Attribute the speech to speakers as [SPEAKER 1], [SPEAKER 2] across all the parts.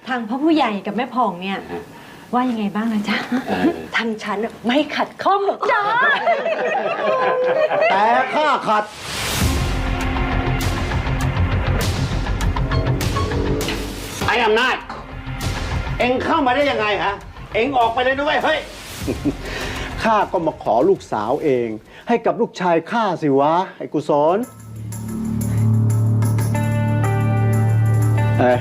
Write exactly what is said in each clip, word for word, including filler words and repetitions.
[SPEAKER 1] ทางพ่อผู้ใหญ่กับแม่ผ่องเนี่ยว่ายังไงบ้างนะจ๊ะทางฉันไม่ขัดข้องหรอกจ้า
[SPEAKER 2] แต่ข้าขัดไอ้อำนาจเอ็งเข้ามาได้ยังไงฮะเอ็งออกไปเลยด้วยเฮ้ยข้าก็มาขอลูกสาวเองให้กับลูกชายข้าสิวะไอ้กุศลเอ้ย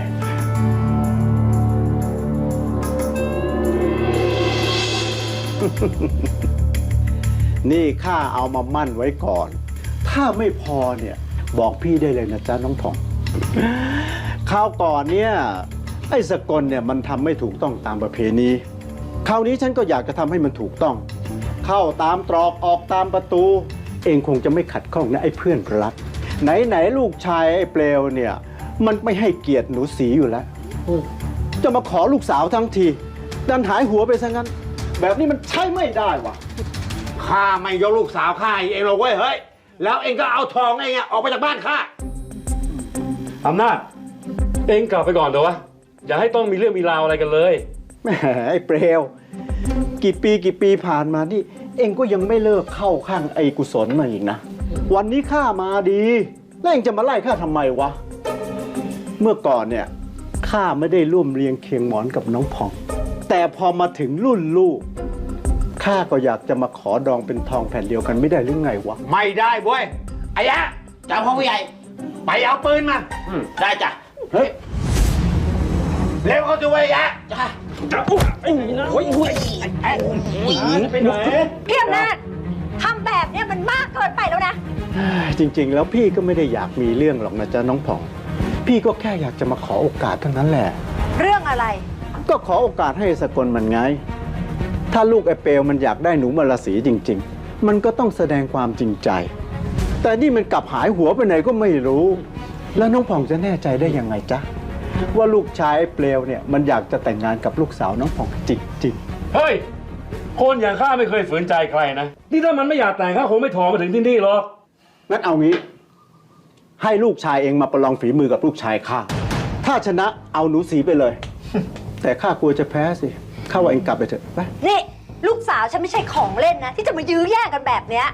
[SPEAKER 2] นี่ข้าเอามามั่นไว้ก่อนถ้าไม่พอเนี่ยบอกพี่ได้เลยนะจ๊ะน้องผ่องคราวก่อนเนี่ยไอ้สกลเนี่ยมันทำไม่ถูกต้องตามประเพณีคราวนี้ฉันก็อยากจะทำให้มันถูกต้องเข้าตามตรอกออกตามประตูเองคงจะไม่ขัดข้องนะไอ้เพื่อนรักไหนไหนลูกชายไอ้เปลวเนี่ยมันไม่ให้เกียรติหนูสีอยู่แล้วจะมาขอลูกสาวทั้งทีดันหายหัวไปซะงั้นแบบนี้มันใช่ไม่ได้วะข้าไม่ยกลูกสาวข้าเองหรอกเว้ยเฮ้ยแล้วเองก็เอาทองเองออกไปจากบ้านข้า
[SPEAKER 3] อำนาจเองกลับไปก่อนเถอะวะอย่าให้ต้องมีเรื่องมีราวอะไรกันเลย
[SPEAKER 2] แหมไอ้เปลวกี่ปีกี่ปีผ่านมานี่เองก็ยังไม่เลิกเข้าข้างไอ้กุศลมาอีกนะวันนี้ข้ามาดีแล้วเองจะมาไล่ข้าทำไมวะเมื่อก่อนเนี่ยข้าไม่ได้ร่วมเรียงเคียงหมอนกับน้องผ่องแต่พอมาถึงรุ่นลูกข้าก็อยากจะมาขอดองเป็นทองแผ่นเดียวกันไม่ได้หรือไงวะไม่ได้เว้ยไอ้ยะเจ้าพ่อผู้ใหญ่ไปเอาปืนมาได้จ้ะเฮ้ยเร็วเข้าตัวไอ้ยะจ้ะจ้ะโอ้ยโอ้ยโอ้ยไอ้ผู้หญิงไปไหน
[SPEAKER 1] พี่อำนาจทำแบบนี้มันมากเกินไปแล้วนะ
[SPEAKER 2] จริงๆแล้วพี่ก็ไม่ได้อยากมีเรื่องหรอกนะจ๊ะน้องผ่องพี่ก็แค่อยากจะมาขอโอกาสเท่านั้นแหละ
[SPEAKER 1] เรื่องอะไร
[SPEAKER 2] ก็ขอโอกาสให้สกลมันไงถ้าลูกไอ้เปลวมันอยากได้หนูมาราศีจริงๆมันก็ต้องแสดงความจริงใจแต่นี่มันกลับหายหัวไปไหนก็ไม่รู้แล้วน้องผ่องจะแน่ใจได้ยังไงจ๊ะว่าลูกชายไอ้เปลวเนี่ยมันอยากจะแต่งงานกับลูกสาวน้องผ่องจริง
[SPEAKER 3] ๆเฮ้ยคนอย่างข้าไม่เคยฝืนใจใครนะนี่ถ้ามันไม่อยากแต่งข้าคงไม่ถอมาถึงที่นี่หรอก
[SPEAKER 2] งั้นเอางี้ให้ลูกชายเองมาประลองฝีมือกับลูกชายข้าถ้าชนะเอาหนูสีไปเลยแต่ข้ากลัวจะแพ้สิข้าว่าเองกลับไปเถอะไป
[SPEAKER 1] นี่ลูกสาวฉันไม่ใช่ของเล่นนะที่จะมายื้อแย่งกันแบบเนี้ย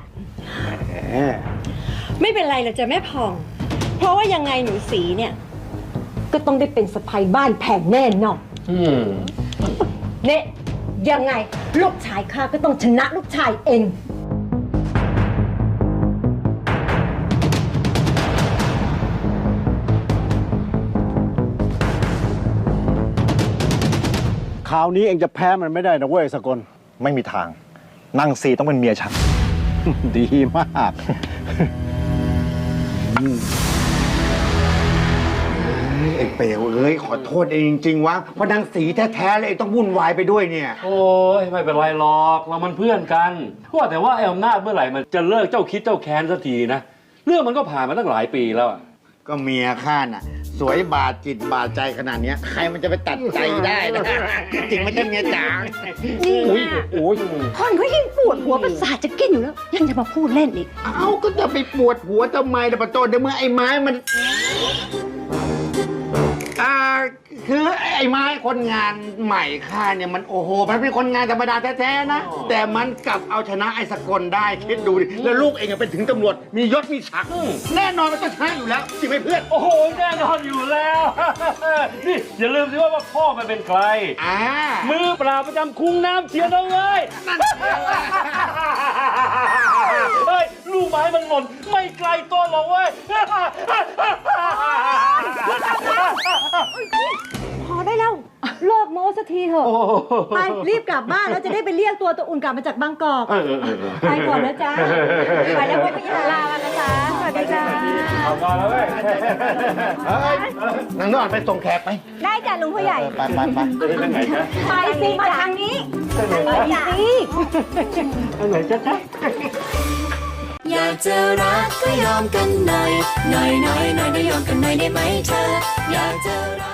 [SPEAKER 1] ไม่เป็นไรหรอกจ้ะแม่ผ่องเพราะว่ายังไงหนูสีเนี่ยก็ต้องได้เป็นสะใภ้บ้านแพงแน่นอนเนี่ยยังไงลูกชายข้าก็ต้องชนะลูกชายเอง
[SPEAKER 2] คราวนี้เองจะแพ้มันไม่ได้นะเว้ยสกล
[SPEAKER 4] ไม่มีทางนางซีต้องเป็นเมียฉัน
[SPEAKER 2] ดีมาก
[SPEAKER 5] ไอ้เปลวเอ้ยขอโทษเองจริงๆวะเพราะนางสีแท้ๆเลยต้องวุ่นวายไปด้วยเนี่ย
[SPEAKER 3] โอ้ยไม่เป็นไรหรอกเรามันเพื่อนกันว่าแต่ว่าไอ้อำนาจเมื่อไหร่มันจะเลิกเจ้าคิดเจ้าแค้นสักทีนะเรื่องมันก็ผ่านมาตั้งหลายปีแล้ว
[SPEAKER 5] ก็เมียข้าน่ะสวยบาดจิตบาดใจขนาดนี้ใครมันจะไปตัดใจได้นะจริงไม่ใช่เมียจ๋า
[SPEAKER 1] นี่โอ้ยคนเขายิ่งปวดหัวประสาทจะกินอยู่แล้วยังจะมาพูดเล่นอีก
[SPEAKER 5] เอ้าก็จะไปปวดหัวทำไมล่ะปะโตเดี๋ยวเมื่อไอ้ไม้มันอ่าคือไอ้ไม้คนงานใหม่ข้าเนี่ยมันโอ้โหมันเป็นคนงานธรรมดาแท้ๆนะแต่มันกลับเอาชนะไอ้สกลได้คิดดูดิแล้วลูกเองเป็นถึงตำรวจมียศมีศักดิ์แน่นอนมันต้องชนะอยู่แล้วจริงไหมเพื่อน
[SPEAKER 3] โอ้โหแน่นอนอยู่แล้วนี่อย่าลืมสิว่าพ่อมันเป็นใคร
[SPEAKER 5] อ่า
[SPEAKER 3] มือปราบประจำคุ้งน้ำเชียร์น้องเอ้ยนั่นเฮ้ยลูกไม้มันหล่นไม่ไกลตัวหรอกเว้ย
[SPEAKER 1] พอได้แล้วเลิกโม้สักทีเถอะไปรีบกลับบ้านแล้วจะได้ไปเรียกตัวตัวอุ่นกลับมาจากบางกอกไปก่อนนะจ๊ะไปแล้วไว้พี่ลาวันนะจ๊ะสวัสดีจ้า
[SPEAKER 3] เอาก่อนแล้วเว้ย
[SPEAKER 5] นางนอนไปส่งแขกไป
[SPEAKER 1] ได้จ้ะลุงผู้ใหญ่
[SPEAKER 5] ไปไปไป
[SPEAKER 3] ไปไหนจ๊ะ
[SPEAKER 1] ไปสิมาทางนี้ไปสิ
[SPEAKER 3] ไปไหนจ๊ะจ๊ะ
[SPEAKER 6] อยากจะรักก็ยอมกันหน่อยหน่อยหน่อยหน่อยได้ยอมกันหน่อยได้ไหมเธออยากจะ